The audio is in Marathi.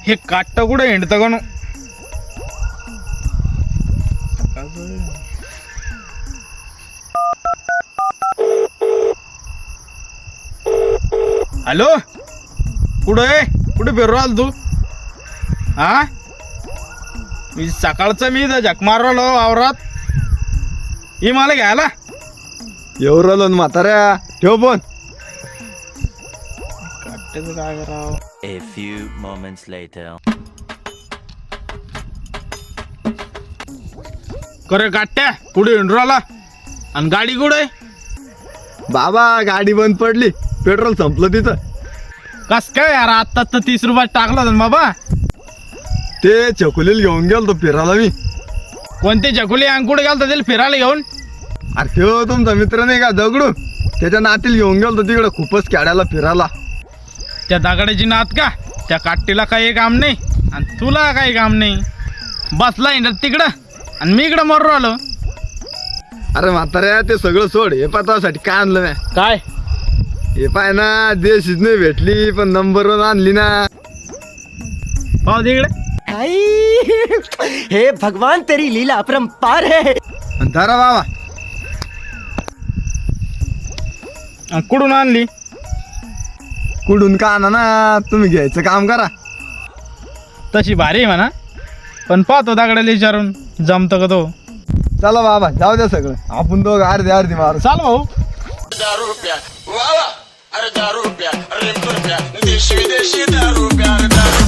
हे काट्ट कुठे हिंडतं का नो? हॅलो, कुठे फिरू आल तू? हा, मी सकाळचं मी झक मारलो वावरात. ही मला घ्यायला येऊ राहिलो ना म्हाताऱ्या, ठेव फोन. काट्याचं काय करावं? A few moments later. करे काट्या कुठे हिंडू आला? आणि गाडी कुठे? बाबा गाडी बंद पडली, पेट्रोल संपलं तिथं. कस काय यार, आता तर 30 रुपयात टाकला होता ना बाबा. ते चकुलीला घेऊन गेलो तो फिरायला मी. कोणती चकुली अंग कुठे गेलता त्याला फिरायला घेऊन? अरे त्यो तुमचा मित्र नाही का दगडू, त्याच्या नातील घेऊन गेलो तिकडे खूपच खेड्याला फिरायला. त्या दगडाची नात का? त्या काट्टीला काही काम नाही आणि तुला काही काम नाही. बसला हिंडत तिकडं आणि मी इकडं मरू आलो. अरे म्हाताऱ्या ते सगळं सोड, हे पाहतासाठी काय आणलं नाही. काय हे पाय ना, देशीच नाही भेटली पण नंबर वन आणली ना. पाहू तिकडे. हे भगवान तेरी लीला अपरंपार है. आणि धरा बाबा. आणि कुठून आणली? कुठून का आणा ना, तुम्ही घ्यायचं काम करा. तशी भारी आहे म्हणा, पण पाहतो दगडाला विचारून जमतं का तो. चला बाबा, जाऊ द्या सगळं, आपण दोघं अर्धी अर्धी मारू. चाल भाऊ. दारू प्या, वा वा, अरे दारू प्या, अरे दारू प्या, देशी विदेशी दारू प्या, अरे दारू